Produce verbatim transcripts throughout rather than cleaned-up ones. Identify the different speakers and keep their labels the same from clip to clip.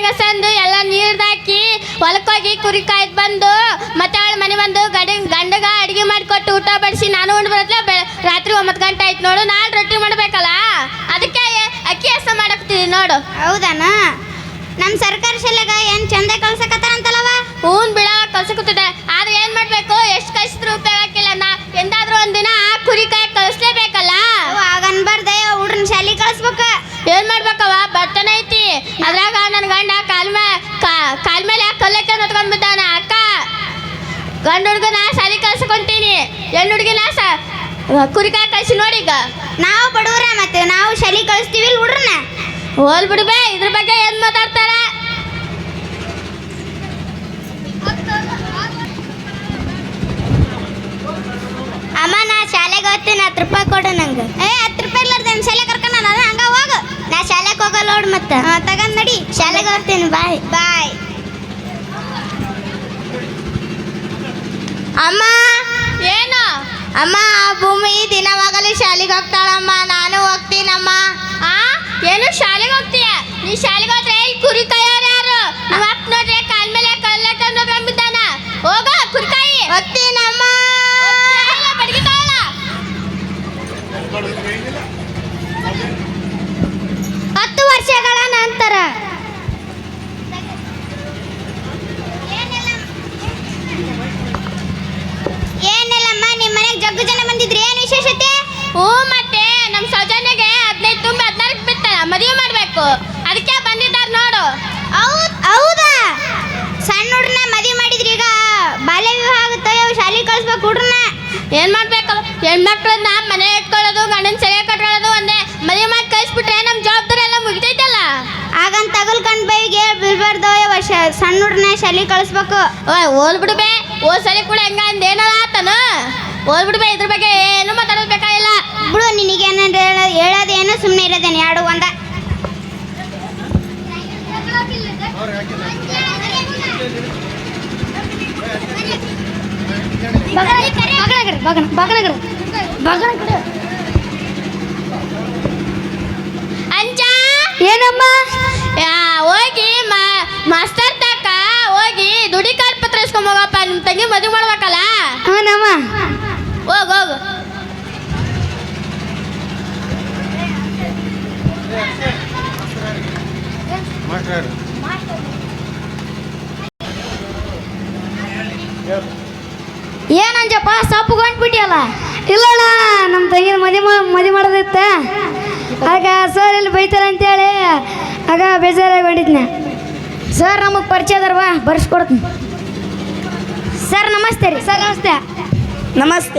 Speaker 1: ಗಸಂದು ಎಲ್ಲ ನೀರ್ದಾಕಿ ಹೊಲಕ್ಕೋಗಿ ಕುರಿ ಕಾಯ್ದು ಬಂದು ಮತ್ತೆ ಅವಳ ಮನೆ ಬಂದು ಗಡ ಗಂಡಗ ಅಡಿಗೆ ಮಾಡಿಕೊಟ್ಟು ಊಟ ಬಡಿಸಿ ನಾನು ಉಂಡು ಬರತ್ಲೆ ಬೆ ರಾತ್ರಿ ಒಂಬತ್ತು ಗಂಟೆ ಆಯ್ತು ನೋಡು. ನಾಳೆ ರೊಟ್ಟಿ ಮಾಡಬೇಕಲ್ಲ, ಅದಕ್ಕೆ ಅಕ್ಕಿ ಹಸ ಮಾಡಕ್ತಿದ್ವಿ ನೋಡು.
Speaker 2: ಹೌದಾನ? ನಮ್ಮ ಸರ್ಕಾರಿ ಶಾಲೆಗ ಏನು ಚಂದ ಕಳ್ಸಕತ್ತಾರಂತಲ್ಲವ?
Speaker 1: ಹ್ಞೂ ಬಿಡ ಕಳ್ಸಕತ್ತದೆ. ಆದ್ರೆ ಏನು ಮಾಡಬೇಕು, ಎಷ್ಟು ಕಳಿಸಿದ್ರು ಉಪಯೋಗ ಆಗಿಲ್ಲ. ನಾ ಎಂದಾದ್ರೂ ಒಂದಿನ ಕುರಿ ಕಾಯಿ ಕಳಿಸ್ಲೇಬೇಕಲ್ಲ.
Speaker 2: ಆಗನ್ಬಾರ್ದೆ, ಹುಡ್ರನ್ನ ಶಾಲೆಗೆ ಕಳಿಸ್ಬೇಕು.
Speaker 1: ಏನು ಮಾಡ್ಬೇಕವ, ಬರ್ತನ ಐತಿ. ಅದ್ರಾಗ ನನ್ನ ಗಂಡ ಕಾಲ್ ಮೇ ಕಾಲ್ ಮೇಲೆ ಕಲ್ಲಕ್ಕೆ ಹೊತ್ಕೊಂಡ್ಬಿದ್ದಾನ. ಅಕ್ಕ ಗಂಡು ಹುಡುಗನ ಶಾಲೆ ಕಳ್ಸ್ಕೊಂತೀನಿ, ಹೆಣ್ಣು ಹುಡುಗಿನ ಸ ಕುರಿ ಕಾಯಿ ಕಳಿಸಿ ನೋಡಿ. ಈಗ
Speaker 2: ನಾವು ಬಡವ್ರ, ಮತ್ತೆ ನಾವು ಶಾಲೆಗೆ ಕಳಿಸ್ತೀವಿ ಹುಡ್ರನ್ನ.
Speaker 1: ಹೋಲ್ ಬಿಡ್ಬೇ, ಇದ್ರ ಬಗ್ಗೆ ಏನು ಮಾತಾಡ್ತಾರ?
Speaker 2: ಅಮ್ಮ ನಾ ಶಾಲೆಗೆ ಹೋಗ್ತೀನಿ, ಹತ್ತು ರೂಪಾಯಿ ಕೊಡು ನಂಗೆ. ಏ ಹತ್ತು ರೂಪಾಯಿ ಇರ್ಲಾರ್ದು ನನ್ನ ಶಾಲೆ ಕರ್ಕೊಂಡು ನಾನು ಹಂಗ ಹೋಗು. ನಾ ಶಾಲೆಗೆ ಹೋಗಲ್ಲ ನೋಡು. ಮತ್ತೆ ತಗೊಂಡ್ ನಡಿ, ಶಾಲೆಗೆ ಹೋಗ್ತೀನಿ. ಬಾಯ್ ಬಾಯ್. ಅಮ್ಮ
Speaker 1: ಏನು
Speaker 2: ಅಮ್ಮ, ಆ ಭೂಮಿ ದಿನವಾಗಲಿ ಶಾಲೆಗೆ ಹೋಗ್ತಾಳಮ್ಮ, ನಾನು ಹೋಗ್ತೀನಮ್ಮ.
Speaker 1: ಆ ಏನು ಶಾಲೆಗೆ ಹೋಗ್ತೀಯ? ನೀ ಶಾಲೆಗೆ ಹೋದ್ರೆ ಇಲ್ಲಿ ಕುರಿ ಕಾಯೋರು ಯಾರು? ನಮ್ಮ ಅಪ್ಪ ನೋಡ್ರೆ ಕಾಲ್ ಮೇಲೆ ಕಲ್ಲಕ್ಕೆ ಹೊತ್ಕೊಂಡ್ಬಿದ್ದಾನ. ಹೋಗ ಕುರಿ ಕಾಯಿ.
Speaker 2: ಹೋಗ್ತೀನಮ್ಮ.
Speaker 1: ಬಡಿಗೆ ಕಾಯಲ್ಲ.
Speaker 2: ಹತ್ತು ವರ್ಷಗಳ ನಂತರ ಏನಿಲ್ಲಮ್ಮ, ನಿಮ್ಮ ಮನೆಗೆ ಜಗ್ಗು ಜನ ಬಂದಿದ್ರಿ, ಏನು ವಿಶೇಷತೆ?
Speaker 1: ಹ್ಞೂ, ಮತ್ತೆ ನಮ್ಮ ಸೌಜನ್ಯಗೆ ಹದಿನೈದು ತುಂಬಿ ಹದಿನಾಲ್ಕು ಬಿತ್ತಲ್ಲ, ಮದುವೆ ಮಾಡಬೇಕು, ಅದಕ್ಕೆ ಬಂದಿದ್ದಾರೆ ನೋಡು.
Speaker 2: ಹೌದು ಹೌದಾ? ಸಣ್ಣ ಹುಡ್ರನ್ನ ಮದುವೆ ಮಾಡಿದ್ರಿ, ಈಗ ಬಾಲ್ಯ ವಿವಾಹ ಆಗುತ್ತೆ, ಶಾಲೆಗೆ ಕಳಿಸ್ಬೇಕು ಹುಡ್ರನ್ನ.
Speaker 1: ಏನು ಮಾಡ್ಬೇಕು, ಹೆಣ್ಮಕ್ಳನ್ನ ಮನೆ ಇಟ್ಕೊಳ್ಳೋದು, ಗಂಡನ ಸೆರೆ ಕಟ್ಕೊಳ್ಳೋದು ಒಂದೇ. ಮದುವೆ ಮಾಡಿ ಕಳಿಸ್ಬಿಟ್ರೆ ನಮ್ಮ ಜವಾಬ್ದಾರಿ ಎಲ್ಲ ಮುಗಿತೈತಲ್ಲ.
Speaker 2: ಆಗಂತ ತಗಲ್ಕಂಡು ಬೈಗೆ ಬೀಳ್ಬಾರ್ದು. ಸಣ್ಣ ಹುಡ್ರನ್ನ ಶಾಲೆಗೆ ಕಳಿಸ್ಬೇಕು.
Speaker 1: ಓಯ್ ಓಲ್ ಬಿಡ್ಬೇ, ಓ ಸರಿ ಕೂಡ ಹೆಂಗ ಅಂದೇನದ ಆತನ. ಓಲ್ ಬಿಡ್ಬೇ, ಇದ್ರ ಬಗ್ಗೆ ಏನು ಮಾತಾಡೋದು ಬೇಕಾಗಿಲ್ಲ
Speaker 2: ಬಿಡು. ನಿನಗೇನ ಹೇಳೋದೇನು, ಸುಮ್ಮನೆ ಇರೋದೇನು, ಎರಡು ಒಂದ.
Speaker 1: ಅಂಚ
Speaker 2: ಏನಮ್ಮ?
Speaker 1: ಹೋಗಿ ಮಾಸ್ತರ್ ತಕ್ಕ ಹೋಗಿ ದುಡಿ ಕಾರ್ಡ್ ಪತ್ರ ಇಸ್ಕೊಂಡ್ ಹೋಗಪ್ಪ. ನಿಮ್ಮ ತಂಗಿ ಮದುವೆ ಮಾಡ್ಬೇಕಲ್ಲ.
Speaker 2: ಹ್ಞೂನಮ್ಮ.
Speaker 1: ಹೋಗ್ ಹೋಗು.
Speaker 2: ಏನಂಜಪ್ಪ ಸಪ್ಪುಗೊಂಡ್ಬಿಟ್ಟಿಯಲ್ಲ? ಇಲ್ಲಣ್ಣ, ನಮ್ಮ ತಂಗಿನ ಮದುವೆ ಮದುವೆ ಮಾಡೋದಿತ್ತ, ಆಗ ಸರ್ ಇಲ್ಲಿ ಬೈತಾರೆ ಅಂತೇಳಿ ಆಗ ಬೇಜಾರಾಗಿ ಹೊಡಿದ್ನ. ಸರ್ ನಮಗೆ ಪರಿಚಯ ಅದಾರವಾ, ಬರ್ಸ್ಕೊಡ್ತೀನಿ. ಸರ್ ನಮಸ್ತೆ ರೀ. ಸರ್ ನಮಸ್ತೆ.
Speaker 3: ನಮಸ್ತೆ.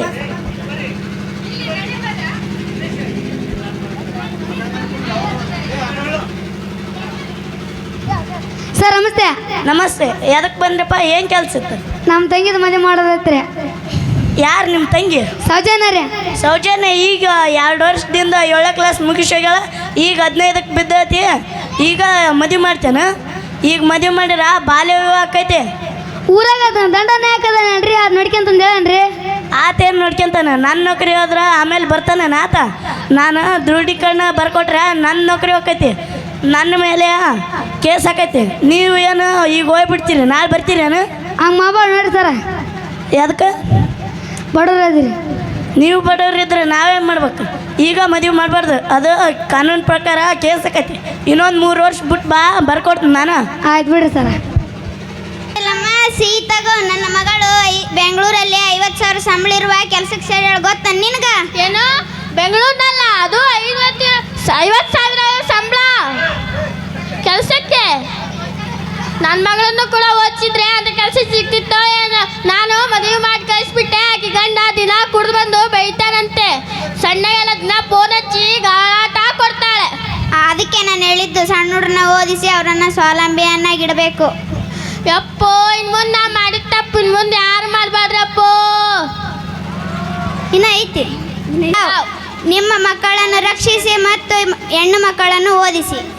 Speaker 2: ಸರ್ ನಮಸ್ತೆ.
Speaker 3: ನಮಸ್ತೆ. ಎದಕ್ಕೆ ಬಂದ್ರಪ್ಪ? ಏನು ಕೆಲಸ ಇತ್ತು?
Speaker 2: ನಮ್ಮ ತಂಗಿದ ಮದುವೆ ಮಾಡೋದೈತ್ರಿ.
Speaker 3: ಯಾರು ನಿಮ್ಮ ತಂಗಿ?
Speaker 2: ಸೌಜನ್ಯ ರೀ.
Speaker 3: ಸೌಜನ್ಯ ಈಗ ಎರಡು ವರ್ಷದಿಂದ ಏಳನೇ ಕ್ಲಾಸ್ ಮುಗಿಸೋಗ್ಯಾಳ, ಈಗ ಹದಿನೈದಕ್ಕೆ ಬಿದ್ದೈತಿ. ಈಗ ಮದುವೆ ಮಾಡ್ತೇನೆ. ಈಗ ಮದುವೆ ಮಾಡಿರ ಬಾಲ್ಯ ವಿವಾಹ ಆಕೈತಿ.
Speaker 2: ಊರಾಗ ದಂಡನೆ ಹಾಕದನ್ರಿ, ಅದು ನೋಡ್ಕೊಂತಂದು ಹೇಳನ್ರಿ.
Speaker 3: ಆತೇನು ನೋಡ್ಕೊಂತಾನೆ? ನನ್ನ ನೌಕರಿ ಹೋದ್ರೆ ಆಮೇಲೆ ಬರ್ತಾನೆ ಆತ. ನಾನು ದೃಢೀಕರಣ ಬರ್ಕೊಟ್ರೆ ನನ್ನ ನೌಕರಿ ಹೋಗ್ತೈತಿ, ನನ್ನ ಮೇಲೆ ಕೇಸ್ ಹಾಕೈತಿ. ನೀವು ಏನು ಈಗ ಹೋಗ್ಬಿಡ್ತೀರಿ, ನಾಳೆ ಬರ್ತೀರೇನು?
Speaker 2: ಹಂಗೆ ಮಾಡ್ಬಾರ್ದು ನೋಡಿ ಸರ.
Speaker 3: ಅದಕ್ಕೆ
Speaker 2: ಬಡವ್ರು ಅದಿರಿ
Speaker 3: ನೀವು. ಬಡವ್ರಿದ್ರೆ ನಾವೇನು ಮಾಡ್ಬೇಕು? ಈಗ ಮದುವೆ ಮಾಡಬಾರ್ದು, ಅದು ಕಾನೂನು ಪ್ರಕಾರ ಕೇಸ್ ಆಕೈತಿ. ಇನ್ನೊಂದು ಮೂರು ವರ್ಷ ಬಿಟ್ಟು ಬಾ, ಬರ್ಕೊಡ್ತೀನಿ ನಾನು.
Speaker 2: ಆಯ್ತು ಬಿಡ್ರಿ ಸರ. ಇಲ್ಲಮ್ಮ, ಸೀತಾಗೋ ನನ್ನ ಮಗಳು ಬೆಂಗಳೂರಲ್ಲಿ ಐವತ್ತು ಸಾವಿರ ಸಂಬಳ ಇರುವ ಕೆಲ್ಸಕ್ಕೆ ಸೇರಿ ಗೊತ್ತ ನಿನಗ?
Speaker 1: ಏನು ಬೆಂಗಳೂರಿನಲ್ಲ, ಅದು ಐವತ್ತು ಐವತ್ತು ಸಾವಿರ ಸಂಬಳ ಕೆಲಸಕ್ಕೆ. ನನ್ನ ಮಗಳನ್ನು ಕೂಡ ಓದಿಸಿದ್ರೆ ಅಂತ ಕೆಲಸ ಸಿಗ್ತಿತ್ತೋ ಏನೋ. ನಾನು ಮದುವೆ ಮಾಡಿ ಕಳಿಸ್ಬಿಟ್ಟೆ. ಆಕೆ ಗಂಡ ದಿನ ಕುಡಿದು ಬಂದು ಬೈತಾನಂತೆ. ಸಣ್ಣಗೆಲ್ಲ ದಿನ ಫೋನ್ ಹಚ್ಚಿ ಗಾಟ ಕೊಡ್ತಾಳೆ.
Speaker 2: ಅದಕ್ಕೆ ನಾನು ಹೇಳಿದ್ದು, ಸಣ್ಣ ಹುಡ್ರನ್ನ ಓದಿಸಿ ಅವರನ್ನ ಸ್ವಾವಲಂಬಿಯನ್ನಾಗಿಡಬೇಕು.
Speaker 1: ಯಪ್ಪೋ, ಇನ್ನು ಮುಂದೆ ನಾ ಮಾಡಿದ ತಪ್ಪು ಇನ್ನು ಮುಂದೆ ಯಾರು ಮಾಡಬಾರ್ದಪ್ಪೋ.
Speaker 2: ಇನ್ನು ಐತಿ. ನಿಮ್ಮ ಮಕ್ಕಳನ್ನು ರಕ್ಷಿಸಿ ಮತ್ತು ಹೆಣ್ಣು ಮಕ್ಕಳನ್ನು ಓದಿಸಿ.